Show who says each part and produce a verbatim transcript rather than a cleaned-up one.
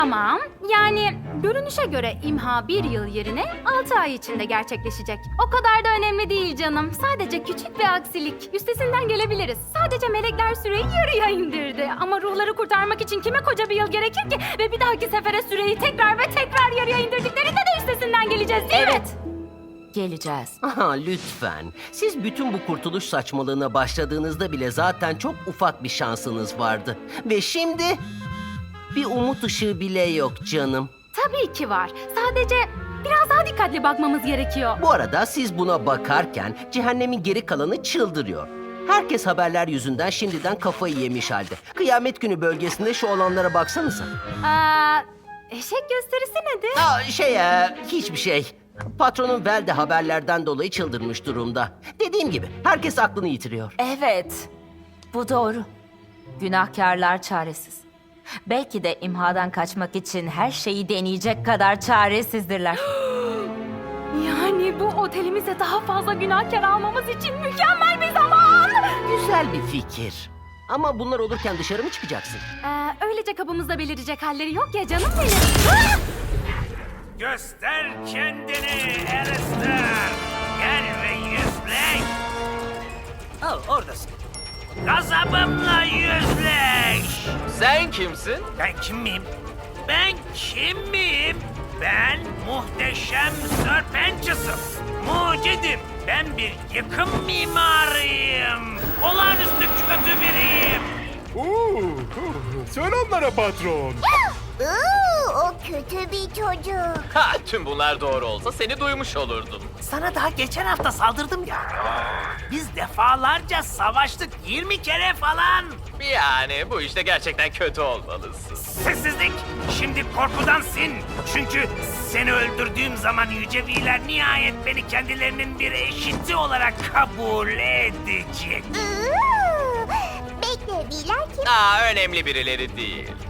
Speaker 1: Tamam, yani görünüşe göre imha bir yıl yerine altı ay içinde gerçekleşecek. O kadar da önemli değil canım. Sadece küçük bir aksilik. Üstesinden gelebiliriz. Sadece melekler süreyi yarıya indirdi. Ama ruhları kurtarmak için kime koca bir yıl gerekir ki? Ve bir dahaki sefere süreyi tekrar ve tekrar yarıya indirdiklerinde de üstesinden geleceğiz değil mi?
Speaker 2: Evet. Geleceğiz.
Speaker 3: Aha, lütfen. Siz bütün bu kurtuluş saçmalığına başladığınızda bile zaten çok ufak bir şansınız vardı. Ve şimdi bir umut ışığı bile yok canım.
Speaker 1: Tabii ki var. Sadece biraz daha dikkatli bakmamız gerekiyor.
Speaker 3: Bu arada siz buna bakarken cehennemin geri kalanı çıldırıyor. Herkes haberler yüzünden şimdiden kafayı yemiş halde. Kıyamet günü bölgesinde şu olanlara baksanıza.
Speaker 1: Aa, eşek gösterisi nedir?
Speaker 3: Aa, şey, e, hiçbir şey. Patronun Vel de haberlerden dolayı çıldırmış durumda. Dediğim gibi herkes aklını yitiriyor.
Speaker 2: Evet. Bu doğru. Günahkarlar çaresiz. Belki de imhadan kaçmak için her şeyi deneyecek kadar çaresizdirler.
Speaker 1: Yani bu otelimize daha fazla günahkar almamız için mükemmel bir zaman.
Speaker 3: Güzel bir fikir. Ama bunlar olurken dışarı mı çıkacaksın?
Speaker 1: Ee, öylece kabımızda belirecek halleri yok ya canım benim. Ah!
Speaker 4: Göster kendini Alistair. Gel ve yüzleş. Oh, oradasın. Gazabımla yüzleş.
Speaker 5: Sen kimsin?
Speaker 4: Ben kim miyim? Ben kim miyim? Ben muhteşem Serpentus'um. Mucidim. Ben bir yıkım mimarıyım. Olağanüstü kötü biriyim.
Speaker 6: Oo, selamlara patron.
Speaker 7: Oo, o kötü bir çocuk.
Speaker 5: Ha, tüm bunlar doğru olsa seni duymuş olurdum.
Speaker 4: Sana daha geçen hafta saldırdım ya. Biz defalarca savaştık, yirmi kere falan.
Speaker 5: Yani bu işte gerçekten kötü olmalısın.
Speaker 4: Sessizlik! Şimdi korkudan sin. Çünkü seni öldürdüğüm zaman yüceviler nihayet beni kendilerinin bir eşiti olarak kabul edecek.
Speaker 7: Oo, bekle, Viler kim?
Speaker 5: Aa, önemli birileri değil.